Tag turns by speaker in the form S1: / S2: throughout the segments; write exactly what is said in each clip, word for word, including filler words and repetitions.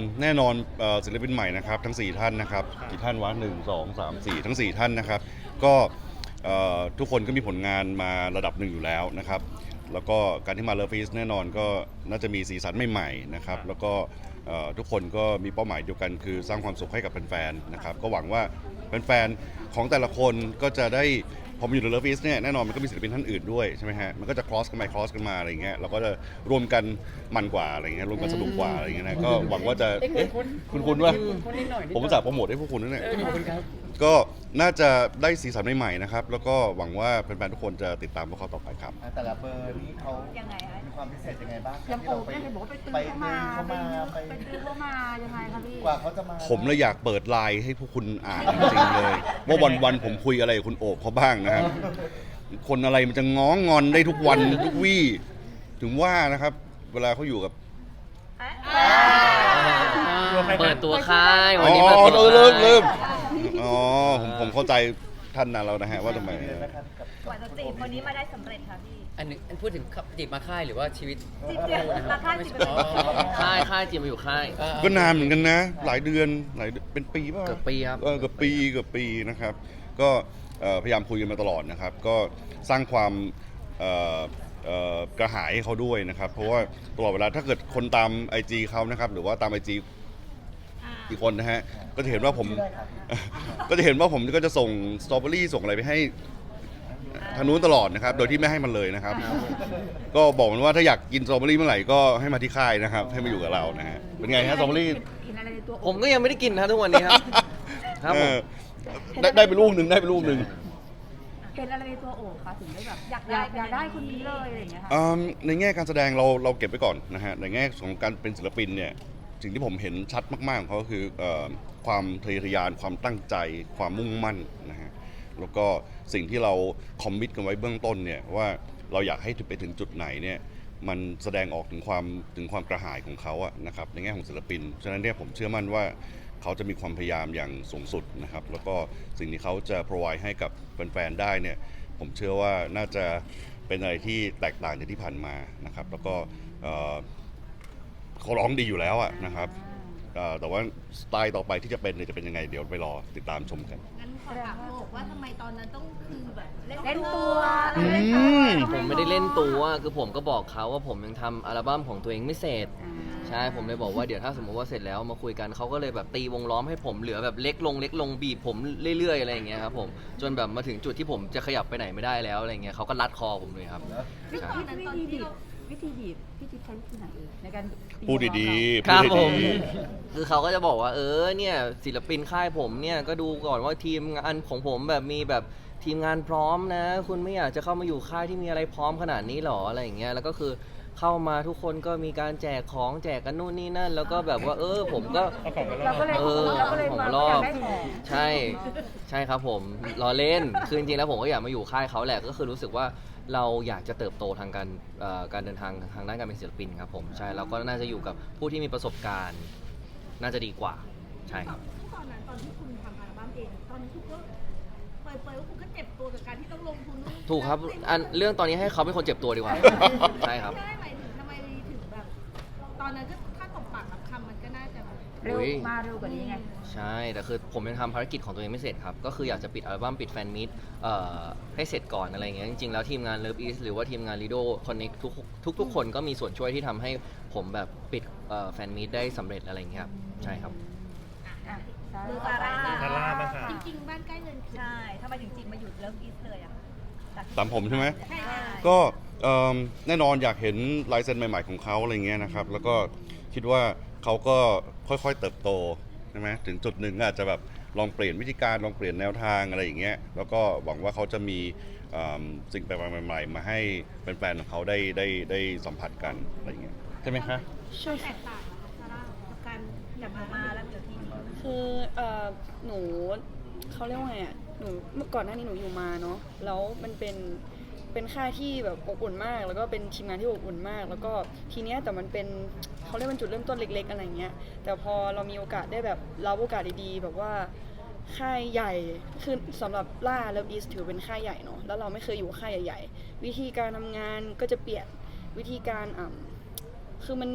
S1: แน่นอนศิลปินใหม่นะครับทั้งสี่ท่านนะครับกี่ท่านวะหนึ่งสองสามสี่ทั้งสี่ท่านนะครับก็ทุกคนก็มีผลงานมาระดับหนึ่งอยู่แล้วนะครับแล้วก็การที่มาเลิฟฟีสแน่นอนก็น่าจะมีสีสันใหม่ๆนะครับแล้วก็ทุกคนก็มีเป้าหมายเดียวกันคือสร้างความสุขให้กับแฟนๆนะครับก็หวังว่าแฟนๆของแต่ละคนก็จะได้พอมาอยู่ในเลิฟฟีสเนี่ยแน่นอนมันก็มีศิลปินท่านอื่นด้วยใช่ไหมฮะมันก็จะ cross กันไป cross กันมาอะไรเงี้ยเราก็จะรวมกันมันกว่าอะไรเงี้ยรวมกันสนุกกว่าอะไรเงี้ยนะก็หวังว่าจะเอ๊ะคุณคุณว่าผมจะโปรโมทให้พวกคุณนั่นแหละก็น่าจะได้สีสันใหม่ๆนะครับแล้วก็หวังว่าแฟนๆทุกคนจะติดตามพวกเขาต่อไปครับ
S2: แต่ละเบอร์นี้เขา
S3: ยังไงคะ
S2: มีความพิเศษยังไงบ้าง
S3: ยังโอบเนี่ยเห็นบอกว่าไปตื้อเข้ามาไปตื้อเข้ามายังไงคะพี่
S2: กว่าเขาจะมา
S1: ผมเลยอยากเปิดไลน์ให้พวกคุณอ่านจริงๆเลยว่าวันๆผมคุยอะไรกับคุณโอบเขาบ้างนะครับคนอะไรมันจะง้องงอนได้ทุกวันทุกวี่ถึงว่านะครับเวลาเขาอยู่กับ
S4: เปิดตัวค่าย
S1: อ๋
S4: วันนี้
S1: อ
S4: เปิดตัว
S1: เริ่ม
S4: ค่าย
S1: เริ่มอ๋อผมผมเข้าใจท่านนั้นแล้วนะฮะว่าทำไม
S3: กว่าจะจีบคนนี้มาได้สำเร็จค่ะพี่
S4: อันนึงพูดถึงจีบมาค่ายหรือว่าชีวิต
S3: จีบเดียวมาค่ายจีบ
S4: ค่ายค่ายจีบมาอยู่ค่าย
S1: ก็นานเหมือนกันนะหลายเดือนหลายเป็นปีป่ะ
S4: เกือบปีครับ
S1: เออเกือบปีเกือบปีนะครับก็พยายามคุยกันมาตลอดนะครับก็สร้างความกระหายให้เขาด้วยนะครับเพราะว่าตลอดเวลาถ้าเกิดคนตาม ไอ จี เขานะครับหรือว่าตาม ไอ จี อีกคนนะฮะก็จะเห็นว่าผมก็จะเห็นว่าผมก็จะส่งสตรอเบอรี่ส่งอะไรไปให้ทางนู้นตลอดนะครับโดยที่ไม่ให้มันเลยนะครับก็บอกมันว่าถ้าอยากกินสตรอเบอรี่เมื่อไหร่ก็ให้มาที่ค่ายนะครับให้มาอยู่กับเรานะฮะเป็นไงฮะสตรอเบอรี่
S4: ผมก็ยังไม่ได้กินนะทุกวันนี้ครับครับผม
S1: ได้ได้ไปลูกหนึ่งได้ไปลูกหนึ่ง
S3: เห็นอะไรในตัวโอบคะถึงได้แบบอยากได้อยากได้คนนี้เลยอะไรอย่างเงี้ยค่ะ
S1: ในแง่การแสดงเราเราเก็บไว้ก่อนนะฮะในแง่ของการเป็นศิลปินเนี่ยสิ่งที่ผมเห็นชัดมากๆของเขาก็คือความทะเยอทะยานความตั้งใจความมุ่งมั่นนะฮะแล้วก็สิ่งที่เราคอมมิตกันไว้เบื้องต้นเนี่ยว่าเราอยากให้ไปถึงจุดไหนเนี่ยมันแสดงออกถึงความถึงความกระหายของเขาอะนะครับในแง่ของศิลปินฉะนั้นเนี่ยผมเชื่อมั่นว่าเขาจะมีความพยายามอย่างสูงสุดนะครับแล้วก็สิ่งที่เขาจะ provide ให้กับแฟนๆได้เนี่ยผมเชื่อว่าน่าจะเป็นอะไรที่แตกต่างจากที่ผ่านมานะครับแล้วก็เขาร้องดีอยู่แล้วอะนะครับแต่ว่าสไตล์ต่อไปที่จะเป็นจะเป็นยังไงเดี๋ยวไปรอติดตามชมกัน
S3: งั้นขอถามโอบว่าทำไมตอนนั้นต้องคือแบบเล่นตัว
S4: ผมไม่ได้เล่นตัวคือผมก็บอกเขาว่าผมยังทำอัลบั้มของตัวเองไม่เสร็จใช่ผมเลยบอกว่าเดี๋ยวถ้าสมมติว่าเสร็จแล้วมาคุยกันเขาก็เลยแบบตีวงล้อมให้ผมเหลือแบบเล็กลงเล็กลงบีบผมเรื่อยๆอะไรอย่างเงี้ยครับผมจนแบบมาถึงจุดที่ผมจะขยับไปไหนไม่ได้แล้วอะไรเงี้ยเขาก็รัดคอผมเลยครับ
S3: วิธีบีบวิธีบีบพี่จิ๊บใช้วิธีไหนเอ่ยในการ
S1: พูดดีๆ
S4: ครับผมคือเขาก็จะบอกว่าเออเนี่ยศิลปินค่ายผมเนี่ยก็ดูก่อนว่าทีมงานของผมแบบมีแบบทีมงานพร้อมนะคุณไม่อยากจะเข้ามาอยู่ค่ายที่มีอะไรพร้อมขนาดนี้หรออะไรอย่างเงี้ยแล้วก็คือเข้ามาทุกคนก็มีการแจกของแจกกันนู่นนี่นั่นแล้วก็แบบว่าเออผมก็เออของรอบใช่ใช่ครับผมรอเล่นคือจริงๆแล้วผมก็อยากมาอยู่ค่ายเขาแหละก็คือรู้สึกว่าเราอยากจะเติบโตทางการการเดินทางทางด้านการเป็นศิลปินครับผมใช่เราก็น่าจะอยู่กับผู้ที่มีประสบการณ์น่าจะดีกว่าใช่ครับ
S3: ตอนนั้นตอนที่คุณทำอัลบั้มเองตอนนี้คุณก็เปิดๆว่าคุณก็เจ็บตัวกับการที่ต้องลงทุน
S4: ถูกครับอันเรื่องตอนนี้ให้เขาเป็นคนเจ็บตัวดีกว่าใช่ครับ
S3: ใช่หมายถึงทำไมถึงแบบตอนนั้นก็ถ้าตบปากรับคำมันก็น่าจะเร็วมาเร็วกว่านี้ไง
S4: ใช่แต่คือผมยังทำภารกิจของตัวเองไม่เสร็จครับก็คืออยากจะปิดอัลบั้มปิดแฟนมิตให้เสร็จก่อนอะไรเงี้ยจริงๆแล้วทีมงาน Love East หรือว่าทีมงาน Lido Connect ทุกทุกทุกคนก็มีส่วนช่วยที่ทำให้ผมแบบปิดแฟนมิตได้สำเร็จอะไรเงี้ยครับใช่ครับ
S3: ดูซาร่าซาร่าจริงๆบ้านใกล้เงินใช่ทำไมจริงๆมาอยู่ Love East เลยอ่ะ
S1: ตามผมใช่ไหมก็แน่นอนอยากเห็นลายเซ็นใหม่ๆของเขาอะไรเงี้ยนะครับแล้วก็คิดว่าเขาก็ค่อยๆเติบโตใช่ไหมถึงจุดหนึ่งอาจจะแบบลองเปลี่ยนวิธีการลองเปลี่ยนแนวทางอะไรอย่างเงี้ยแล้วก็หวังว่าเขาจะมีสิ่งแปลกใหม่ๆมาให้แฟนๆของเขาได้ได้ได้สัมผัสกันอะไรอย่างเงี้ยใช่ไหมคะ
S3: ใช่แตกต่างซาร่ากับการกลับมาแล้วเดี๋ยวที
S5: คือหนูเขาเรียกว่าไงอ่ะหนูเมื่อก่อนหน้านี้หนูอยู่มาเนาะแล้วมันเป็นเป็นค่ายที่แบบอบอุ่นมากแล้วก็เป็นทีมงานที่อบอุ่นมากแล้วก็ทีเนี้ยแต่มันเป็นเขาเรียกว่าจุดเริ่มต้นเล็กๆอะไรเงี้ยแต่พอเรามีโอกาสได้แบบรับโอกาสดีๆแบบว่าค่ายใหญ่คือสำหรับล่า Love East ถือเป็นค่ายใหญ่เนาะแล้วเราไม่เคยอยู่ค่ายใหญ่ๆวิธีการทำงานก็จะเปลี่ยนวิธีการอ่ะคือมัน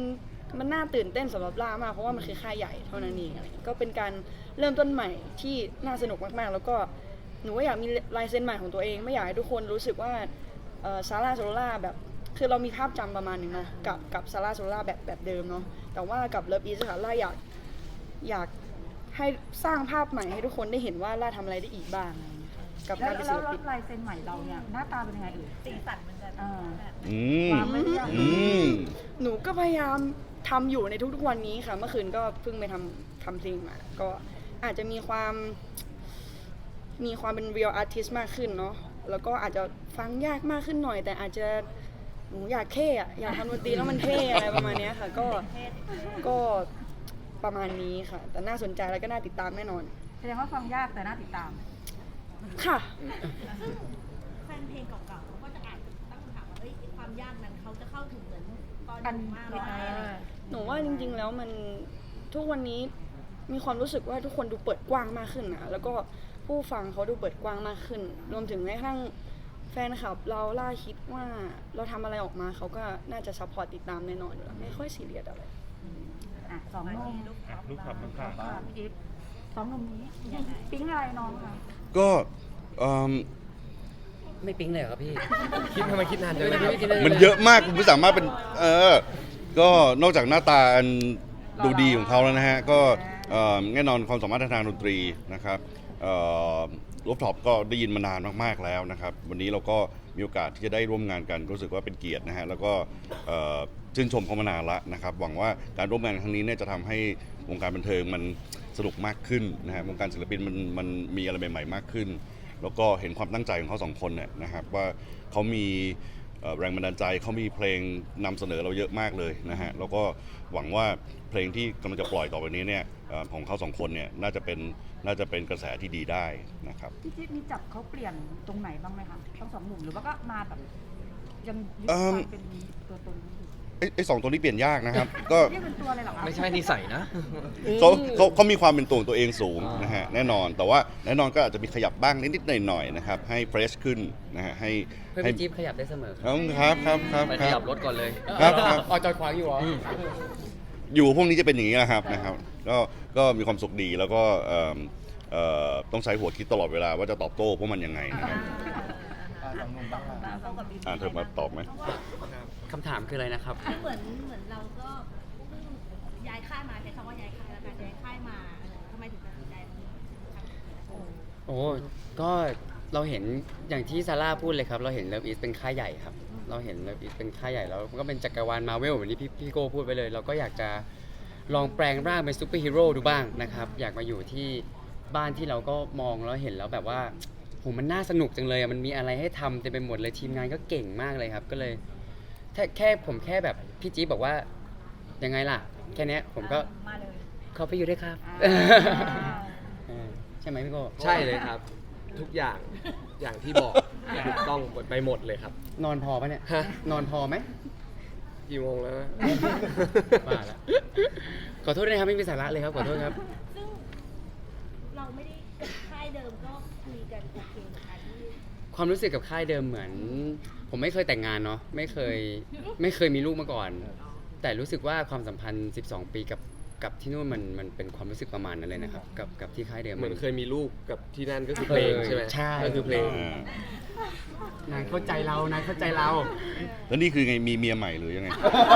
S5: มันน่าตื่นเต้นสำหรับล่ามากเพราะว่ามันคือค่ายใหญ่เท่านั้นเองอะไรเงี้ยก็เป็นการเริ่มต้นใหม่ที่น่าสนุกมากๆ แล้วก็หนูว่าอยากมีลายเซ็นใหม่ของตัวเองไม่อยากให้ทุกคนรู้สึกว่าซาร่าโซล่าแบบคือเรามีภาพจำประมาณหนึงเนาะกับกับซาร่าโซล่าแบบแบบเดิมเนาะแต่ว่ากับเลิฟอีสค่ะล่าอยากอยากให้สร้างภาพใหม่ให้ทุกคนได้เห็นว่าล่าทำอะไรได้อีกบ้างอะไรเงี้ยค่ะกับ
S3: แล้
S5: กาว รเป็น
S3: แล้
S5: ศิ
S3: ว
S5: ลปิน
S3: ลายเซ็นใหม่เราเนี่ยหน้าตาเป็นยังไงเอ่ยสีสันมันจะ
S1: อืม
S3: ความไม่ยาก
S1: อืม
S5: หนูก็พยายามทำอยู่ในทุกๆวันนี้ค่ะ เมื่อคืนก็เพิ่งไปทำทำเพลงมา ก็อาจจะมีความมีความเป็น real artist มากขึ้นเนาะแล้วก็อาจจะฟังยากมากขึ้นหน่อย แต่อาจจะหนูอยากเท่อะอยากทำดนตรีแล้วมันเท่อะไรประมาณเนี้ยค่ะ ก็ก็ประมาณนี้ค่ะ แต่น่าสนใจแล้วก็น่าติดตามแน่นอน
S3: แสดงว่าฟังยากแต่น่าติดตาม
S5: ค่ะ
S6: แฟนเพลงเก่าๆเขาก็จะอาจจะตั้งคำถามว่าเอ้ยความยากนั้นเขาจะเข้าถึงเหมือนตอน
S3: กัน
S6: มากไหมอะไรอย่างเงี้ย
S5: หนูว่าจริงๆ แล้วมันทุกวันนี้มีความรู้สึกว่าทุกคนดูเปิดกว้างมากขึ้นนะแล้วก็ผู้ฟังเขาดูเปิดกว้างมากขึ้น รวมถึงแม้กระทั่งแฟนคลับเราล่าคิดว่าเราทำอะไรออกมาเขาก็น่าจะซัพพอร์ตติดตามแน่นอนอยู่แล้วไม่ค่อยซีเรียสอะไร
S3: อ่ะสองหนุ่ม
S7: ลูกขับลูกขับ
S3: ค่ะพี่จิ๊บสองหนุ่มนี้ปิ๊งอะไรน้องคะ
S1: ก็เอิ่ม
S8: ไม่ปิ๊งเลยเหรอครับพี่
S7: คิดทำไมคิดนานจังเลย
S8: ไม่คิดเลย
S1: มันเยอะมากคุณไม่สามารถเป็นเออก็นอกจากหน้าตาอันดูดีของเขาแล้วนะฮะก็เอ่อแน่นอนความสามารถทางดนตรีนะครับรูฟท็อปก็ได้ยินมานานมากๆแล้วนะครับวันนี้เราก็มีโอกาสที่จะได้ร่วมงานกันรู้สึกว่าเป็นเกียรตินะฮะแล้วก็เอ่อชื่นชมเขามานานละนะครับหวังว่าการร่วมงานครั้งนี้เนี่ยจะทำให้วงการบันเทิงมันสนุกมากขึ้นนะฮะวงการศิลปินมันมันมีอะไรใหม่ๆมากขึ้น แล้วก็เห็นความตั้งใจของเขาสองคนเนี่ยนะครับว่าเขามีเอ่อแรงบันดาลใจเขามีเพลงนำเสนอเราเยอะมากเลยนะฮะแล้วก็หวังว่าเพลงที่กำลังจะปล่อยต่อไปนี้เนี่ยเอ่อของเขาสองคนเนี่ยน่าจะเป็นน่าจะเป็นกระแสที่ดีได้นะครับ
S3: พี่จิ๊บมีจับเขาเปลี่ยนตรงไหนบ้างไหมคะทั้งสองหนุ่มหรือว่าก็มาแบบยังยึด
S1: เอิ่
S3: ความ มเป็นตัวตนอยู่
S1: ไอ้ไอ้สองตัวนี้เปลี่ยนยากนะครับ ก็
S3: เรียกเป็นตัวเลยเหรอคะ
S4: ไม่ใช่นิสัยนะ
S1: เขาเขาเขามีความเป็นตัวของตัวเองสูง
S4: อ่าน
S1: นะฮะแน่นอนแต่ว่าแน่นอนก็อาจจะมีขยับบ้างนิดๆหน่อยๆนะครับให้เฟรชขึ้นนะฮะให้
S8: เพื่อน
S1: ให้
S8: พี่จี๊บขยับได้เสมอครับ
S1: ครับครับครับ
S4: ไป
S1: ค
S4: ข
S1: รั
S4: ยั
S1: บ
S4: บรถก่อนเลย
S1: ครับครับ
S8: อ๋อจอดขวางอยู่เหรอ
S1: อยู่พวกนี้จะเป็นอย่างนี้แหละครับนะครับก็ก็มีความสุขดีแล้วก็เอิ่มเอ่อต้องใช้หัวคิดตลอดเวลาว่าจะตอบโต้พวกมันยังไงนะครับ
S2: อ่าสองหนุ่มบ้างค่ะ
S6: เขากับบีบี
S1: อ่าเธอมาตอบไหม
S8: คำถามคืออะไรนะครับ
S6: เหมือนเหมือนเราก็เพิ่งย้ายค่ายมาใช้คำว่าย้ายค่ายแล้วกันย้ายค่ายมาเออทำไมถึงตัดสินใจทำ
S8: โอ้ ก็เราเห็นอย่างที่ซาร่าพูดเลยครับ เราเห็นเลิฟอีสเป็นค่ายใหญ่ครับ เราเห็นเลิฟอีสเป็นค่ายใหญ่แล้วมันก็เป็นจักรวาลมาเวลเหมือนที่พี่พี่โก้พูดไปเลย เราก็อยากจะลองแปลงร่างเป็นซูเปอร์ฮีโร่ดูบ้างนะครับ อยากมาอยู่ที่บ้านที่เราก็มองแล้วเห็นแล้วแบบว่าโหมันน่าสนุกจังเลยอะมันมีอะไรให้ทำเต็มไปหมดเลยทีมงานก็เก่งมากเลยครับ ก็เลยแค่แค่ผมแค่แบบพี่จี๊บบอกว่ายังไงล่ะ แค่เนี้ยผมก็
S3: มาเลย
S8: เข้าไปอยู่ด้วยครับ
S3: อ่า
S8: เออใช่ไหมพี่โก้
S9: ใช่เลยครับ ทุกอย่างอย่างที่บอกถูกต้องหมดไปหมดเลยครับ
S8: นอนพอปะเนี่ย
S9: ฮะ
S8: นอนพอไหม
S9: กี่โมงแล้วนะ
S8: ว่าละขอโทษด้วยนะครับไม่มีสาระเลยครับขอโทษครับ
S6: ซึ่งเราไม่ได้กับค่ายเดิมก็คุยกันโอเคนะคะที่
S8: ความรู้สึกกับค่ายเดิมเหมือน ผมไม่เคยแต่งงานเนาะไม่เคยไม่เคยมีลูกมาก่อน แต่รู้สึกว่าความสัมพันธ์สิบสองปีกับกับที่นู่นมันมันเป็นความรู้สึกประมาณนั้นเลยนะครับกับกับที่ค่ายเดิม
S9: เหมือนเคยมีลูกกับที่นั่นก็คือเพลงใช่ไหม
S8: ใช่
S9: ก็คือเพลง
S8: นายเข้าใจเรานายเข้าใจเรา
S1: แล้วนี่คือไงมีเมียใหม่หรือยังไง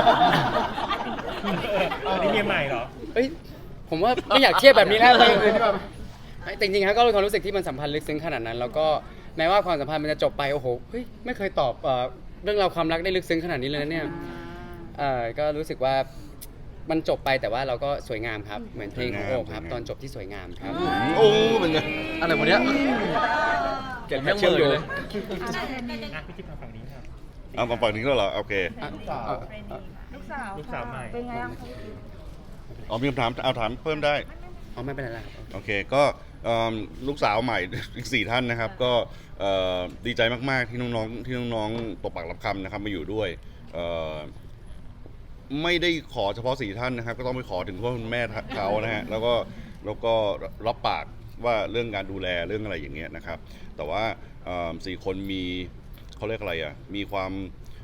S7: อันนี้เมียใหม่เหรอ
S8: เอ้ยผมว่าไม่อยากเทียบแบบนี้แล้วเลยแต่จริงๆครับก็เป็นความรู้สึกที่มันสัมพันธ์ลึกซึ้งขนาดนั้น แล้วก็แม้ว่าความสัมพันธ์มันจะจบไปโอ้โหเฮ้ยไม่เคยตอบเอ่อเรื่องราวความรักได้ลึกซึ้งขนาดนี้เลยนะเนี่ยเอ่อก็รู้สึกว่ามันจบไปแต่ว่าเราก็สวยงามครับเหมือนเพลงของโอ๊คครับตอนจบที่สวยงามครับ
S1: โอ้เป็นไง
S4: อะไรวะเนี้ย
S9: เก็บแค่เชื่อมโยง
S7: อ่ะพี่จิ๊บทางฝั่งนี้ครับ
S1: เอามาฝั่งนี้แล้วเหรอโอเค
S2: ลูกสาว
S3: ลูกสาว
S7: ลูกสาวใหม่
S3: เป็นไงบ้างคะ
S1: อ๋อมีคำถามเอาถามเพิ่มได้
S8: อ๋อไม่เป็นไรครับ
S1: โอเคก็เอิ่มลูกสาวใหม่ อีกสี่ท่านนะครับ ก็เอ่อดีใจมากๆที่น้องๆที่น้องๆตกปากรับคำนะครับมาอยู่ด้วยเอ่อไม่ได้ขอเฉพาะสี่ท่านนะครับ ก็ต้องไปขอถึงพ่อคุณแม่เขานะฮะแล้วก็แล้วก็รับปากว่าเรื่องการดูแลเรื่องอะไรอย่างเงี้ยนะครับ แต่ว่าเอิ่มสี่คนมีเขาเรียกอะไรอ่ะมีความ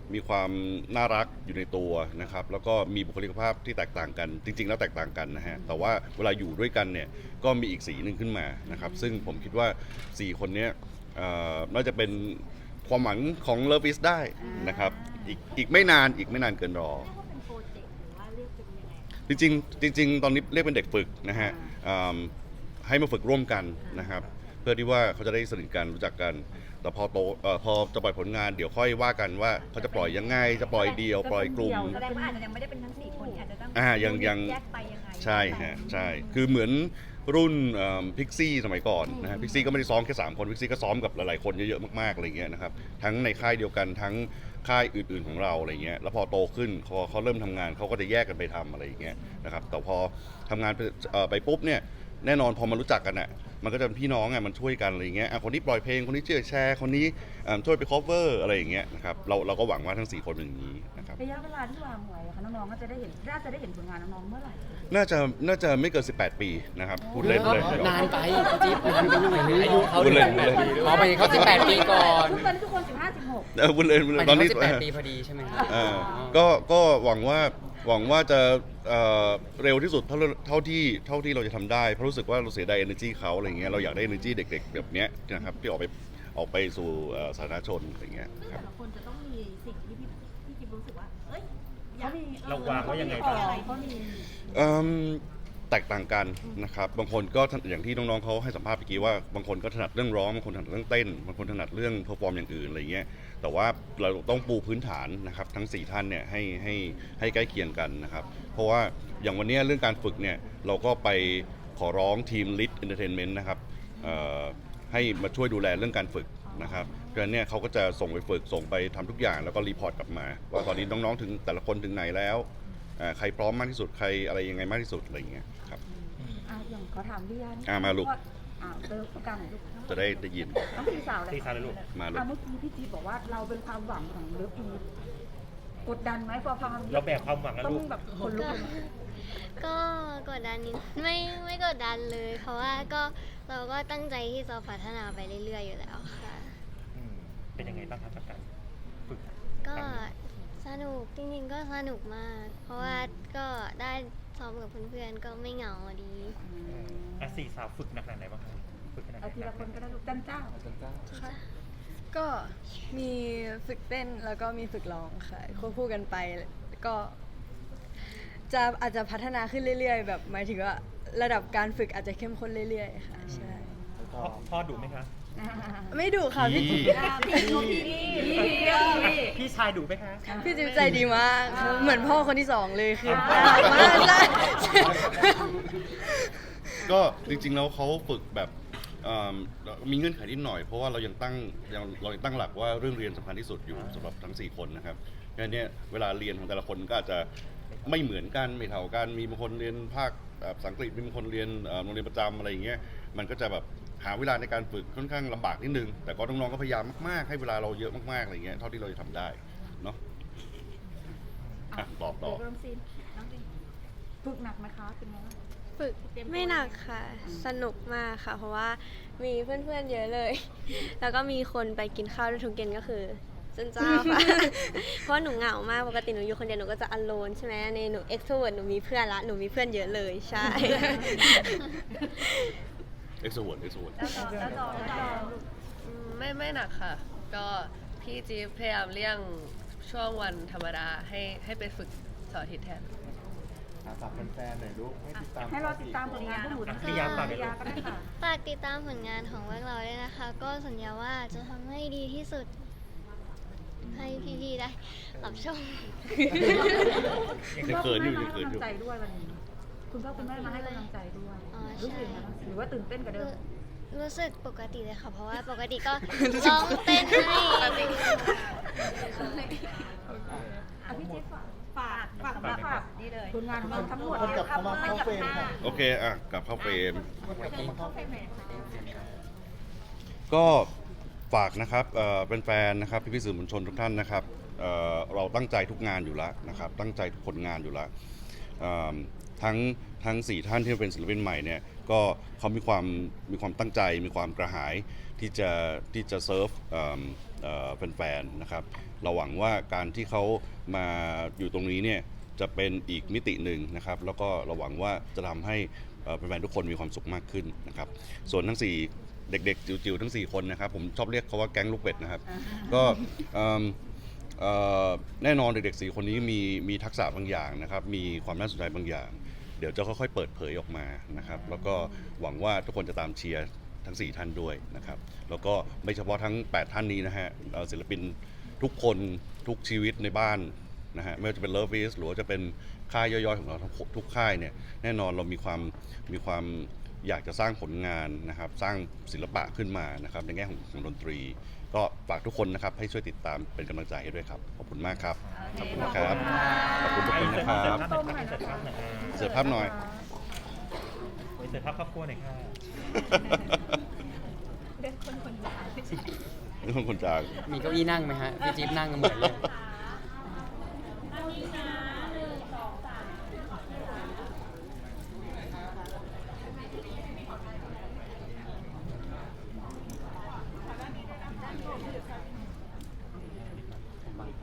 S1: มีความน่ารักอยู่ในตัวนะครับแล้วก็มีบุคลิกภาพที่แตกต่างกันจริงๆแล้วแตกต่างกันนะฮะแต่ว่าเวลาอยู่ด้วยกันเนี่ยก็มีอีกสีหนึ่งขึ้นมานะครับซึ่งผมคิดว่าสี่คนเนี้ยเอ่อน่าจะเป็นความหวังของ Love is ได้นะครับอีกอีกไม่นานอีกไม่นานเกินรอ
S6: เรียกว่าเป็นโปรเจกต์หรือว่าเรียกเป็นยังไง
S1: จริงๆจริงๆตอนนี้เรียกเป็นเด็กฝึกนะฮะอืมให้มาฝึกร่วมกันนะครับเพื่อที่ว่าเขาจะได้สนิทกันรู้จักกันแต่พอโตเอ่อพอจะปล่อยผลงานเดี๋ยวค่อยว่ากันว่าเขาจะปล่อยยังไงจะปล่อยเดียวปล่อยกลุ่ม
S3: แสดงว่าอาจจะยังไม่ได้เป็นทั้งสี่คนอาจจะต้อง
S1: อ่ายังยัง
S3: แยกไปยังไง
S1: ใช่ฮะใช่คือเหมือนรุ่นพิกซี่สมัยก่อนนะฮะพิกซี่ก็ไม่ได้ซ้อมแค่สามคนพิกซี่ก็ซ้อมกับหลายๆคนเยอะๆมากๆอะไรเงี้ยนะครับทั้งในค่ายเดียวกันทั้งค่ายอื่นๆของเราอะไรเงี้ยแล้วพอโตขึ้นพอเขาเริ่มทำงานเขาก็จะแยกกันไปทำอะไรอย่างเงี้ยนะครับแต่พอทำงานไปเอ่อไปปุ๊บเนี่ยแน่นอนพอมารู้จักกันอ่ะมันก็จะเป็นพี่น้องอ่ะมันช่วยกันอะไรเงี้ยอ่ะคนนี้ปล่อยเพลงคนนี้ช่วยแชร์คนนี้อ่าช่วยไป cover อะไรอย่างเงี้ยนะครับเราเราก็หวังว่าทั้งสี่คนเป็นอย่างนี้นะครับ
S3: ระยะเวลาที่วางไว้อะค่ะน้องๆก็จะได้เห็นน่าจะได้เห็นผลงานน้องๆเมื่อไหร่
S1: น่าจะน่าจะไม่เกินสิบแปดปีนะครับพูดเล่นเลย
S8: นานไปพี่จิ๊บนานไปหน่อยอายุเขา
S1: พูดเล่น
S8: สิบแปดปีอ๋อไปเขาสิบแปดปีก่อน
S3: ตอนนี้ทุกคนสิบห้าสิบหก
S1: เออพูดเล่นพูด
S8: ไป
S1: เล่น
S8: ต
S1: ต
S8: อ
S1: อน น
S8: นี้
S1: นี้
S8: สิบแปดปีพอดีใช่ไหมครับ
S1: เออก็ก็หวังว่าหวังว่าจะเอ่อเร็วที่สุดเท่าเท่าที่เท่าที่เราจะทำได้เพราะรู้สึกว่าเราเสียดาย energy เขาอะไรเงี้ยเราอยากได้ energy เด็กๆแบบเนี้ยนะครับที่ออกไปออกไปสู่เอ่อสาธารณชนอะไรเงี้ย
S6: ซึ่ง
S1: ครั
S6: แต่
S1: บ
S6: ละคนจะต้องมีสิ่งที่พี่พี่จิ๊บรู้สึกว่า เอ้ยอยา
S3: เขา
S6: ก
S3: มี
S7: เราวางไว้ยังไง
S3: ต่
S7: บ้าง
S3: เขามี
S1: เอิ่มแตกต่างกันนะครับบางคนก็ถอย่างที่น้องๆเขาให้สัมภาษณ์เมื่อกี้ว่าบางคนก็ถนัดเรื่องร้องบางคนถนัดเรื่องเต้นบางคนถนัดเรื่องเพอร์ฟอร์มอย่างอื่นอะไรเงี้ยแต่ว่าเราต้องปูพื้นฐานนะครับทั้งสี่ท่านเนี่ยให้ให้ให้ใกล้เคียงกันนะครับเพราะว่าอย่างวันนี้เรื่องการฝึกเนี่ยเราก็ไปขอร้องทีม Lit Entertainment นะครับเอ่อให้มาช่วยดูแลเรื่องการฝึกนะครับเพราะฉะนั้นเนี่ยเขาก็จะส่งไปฝึกส่งไปทำทุกอย่างแล้วก็รีพอร์ตกลับมาว่าตอนนี้น้องๆถึงแต่ละคนถึงไหนแล้วอ่าใครพร้อมมากที่สุดใครอะไรยังไงมากที่สุดอะไรอย่างเงี้ยครับ
S3: อ่ะอย่างขอถามพี่ยัน
S1: อ่ะมาลูก
S3: อ่าเติมกลางหน่อยลูก
S1: จะได้ได้ยิน
S3: ต้องพี่สาวเลย
S7: ตีสาวเลยลูก
S1: มาลูก
S3: อ่ะเมื่อกี้พี่จี๊ดบอกว่าเราเป็นความหวังของเลิฟอีฟกดดันไหมพอฟัง
S7: เราแบกความหวังนะ
S3: ต้อง
S7: ลูก
S3: แบบคนลุกเลยไหม
S10: ก็กดดันนิดไม่ไม่กดดันเลย เพราะว่าก็เราก็ตั้งใจที่จะพัฒนาไปเรื่อยๆอยู่แล้วค่ะ
S7: อืมเป็นยังไงบ้างครับกับการฝึก
S10: ก็สนุกจริงๆก็สนุกมาก เพราะว่าก็ได้ซ้อมกับเพื่อนๆก็ไม่เหงาดี
S7: อ่ะสี่สาวฝึกหนักขนาดไหนบ้างครับฝึกขนาดไหน
S3: เอาทีละคนก็ได้ลูกจันเจ้า
S5: ก็มีฝึกเต้นแล้วก็มีฝึกร้องค่ะควบคู่กันไปก็จะอาจจะพัฒนาขึ้นเรื่อยๆ แบบหมายถึงว่าระดับการฝึกอาจจะเข้มข้นเรื่อยๆค่ะใช่
S7: พ่อพ่อดุไหมคะ
S5: ไม่ดุค่ะพี่จิ๊บ
S3: พี่พี่พี่พี่พี่พี่
S7: พี่ชายดุไหมคะ
S5: พี่จิ๊บใจดีมากเหมือนพ่อคนที่สองเลยคือน่ารักมากใช่
S1: ก็จริงๆแล้วเขาฝึกแบบเอิ่มมีเงื่อนไขนิดหน่อยเพราะว่าเรายังตั้งยังเรายังตั้งหลักว่าเรื่องเรียนสำคัญที่สุดอยู่สำหรับทั้งสี่คนนะครับดังนั้นเนี่ยเวลาเรียนของแต่ละคนก็อาจจะไม่เหมือนกันไม่เท่ากันมีบางคนเรียนภาคเอ่อภาษาอังกฤษมีบางคนเรียนเอ่อโรงเรียนประจำอะไรอย่างเงี้ยมันก็จะแบบหาเวลาในการฝึกค่อนข้างลำบากนิดนึงแต่ก็น้องๆก็พยายามมากๆให้เวลาเราเยอะมากๆอะไรเงี้ยเท่าที่เราจะทำได้เนาะอ่ะตอบต่อ
S3: เริ่มซีนน้องซีนฝึกหนักไหมคะเป็นไงบ้าง
S10: ฝึกไม่หนักค่ะ สนุกมากค่ะ เพราะว่ามีเพื่อนๆเยอะเลย แล้วก็มีคนไปกินข้าวด้วยทุกเย็นก็คือจันจ้าค่ะ เพราะว่าหนูเหงามากปกติหนูอยู่คนเดียวหนูก็จะอโลนใช่ไหมในหนูเอ็กโทรเวิร์ดหนูมีเพื่อนละหนูมีเพื่อนเยอะเลยใช่
S1: เอ็กซ์โวร์ดเอ็กซ์โวร์ด
S3: แล้วต่อแล้วต่อแล้วต่อ
S11: อืมไม่ไม่หนักค่ะ ก็พี่จิ๊บพยายามเลี่ยงช่วงวันธรรมดาให้ให้ไปฝึกเสาร์อาทิตย์แทน
S2: อ่ะฝากแฟนๆหน่อยลูกให้ติดตาม
S3: ให้เราติดตามผลงานพวกหนูทั้ง
S7: พี่ยาฝากหน่อยลูก
S3: ก็ได้ค่ะ
S10: ฝากติดตามผลงานของพวกเราด้วยนะคะ ก็สัญญาว่าจะทำให้ดีที่สุด ให้พี่ๆได้รับชม
S1: ยังเขินอยู่
S3: คุ
S1: ยั
S3: ณ
S1: ง
S3: พ่อ
S1: เขิน
S3: คุณ
S1: อยู่
S3: แม่มาให้กำลังใจด้วยวันนี้ คุณพ่อคุณแม่มาให้กำลังใจด้วย
S10: อ๋อ
S3: รู้สึก
S10: ใช่
S3: ยังไงบ้างหรือว่าตื่นเต้นกับเดิม
S10: รู้สึกปกติเลยค่ะ เพราะว่าปกติก็ ร้องเต้นให้
S3: อ่ะพี่จิ๊บฝาก
S6: ฝาก
S3: ฝาก
S6: ฝาก
S3: ฝาก
S6: นี่เลย
S3: ผลงานของเราทั้งหมด
S2: คนกลับเข้ามาเข้าเฟรมค่ะ
S1: โอเคอ่ะกลับเข้าเฟรม
S6: เข้าเฟรมไหนคะ
S1: ก็ฝากนะครับเอ่อเป็นแฟนๆนะครับพี่ๆสื่อมวลชนทุกท่านนะครับเอ่อเราตั้งใจทุกงานอยู่แล้วนะครับตั้งใจทุกผลงานอยู่แล้วเอิ่มทั้งทั้งสี่ท่านที่เป็นศิลปินใหม่เนี่ยก็เขามีความมีความตั้งใจมีความกระหายที่จะที่จะเซิร์ฟเอิ่มเอ่อแฟนๆนะครับเราหวังว่าการที่เขามาอยู่ตรงนี้เนี่ยจะเป็นอีกมิติหนึ่งนะครับแล้วก็เราหวังว่าจะทำให้เอ่อแฟนๆทุกคนมีความสุขมากขึ้นนะครับส่วนทั้งสี่เด็กๆจิ๋วๆทั้งสี่คนนะครับผมชอบเรียกเขาว่าแก๊งลูกเป็ดนะครับก็เอิ่มเอ่อแน่นอนเด็กๆสี่คนนี้มีมีทักษะบางอย่างนะครับมีความน่าสนใจบางอย่าง เดี๋ยวจะค่อยๆเปิดเผยออกมานะครับแล้วก็หวังว่าทุกคนจะตามเชียร์ทั้งสี่ท่านด้วยนะครับแล้วก็ไม่เฉพาะทั้งแปดท่านนี้นะฮะเอ่อศิลปินทุกคนทุกชีวิตในบ้านนะฮะไม่ว่าจะเป็น Love is หรือว่าจะเป็นค่ายย่อยๆของเราทุกทุกค่ายเนี่ยแน่นอนเรามีความมีความอยากจะสร้างผลงานนะครับสร้างศิลปะขึ้นมานะครับในแง่ของของดนตรี ก็ฝากทุกคนนะครับให้ช่วยติดตามเป็นกำลังใจให้ด้วยครับขอบคุณมากครับขอบคุณนะครับขอบคุณทุกคนนะครับ
S7: เสิร์ฟภาพหน่อยครับเสิร์ฟภาพหน่อย
S1: เสิร์ฟภาพหน่อย
S7: เสิร์ฟภาพครอบครัวหน่อยค่ะ
S3: เรื่องคนคนเดียว
S1: นี่คนคนจาง
S8: มีเก้าอี้นั่งไหมฮะพี่จิ๊บนั่งกันเหมือนเลย
S3: อ่า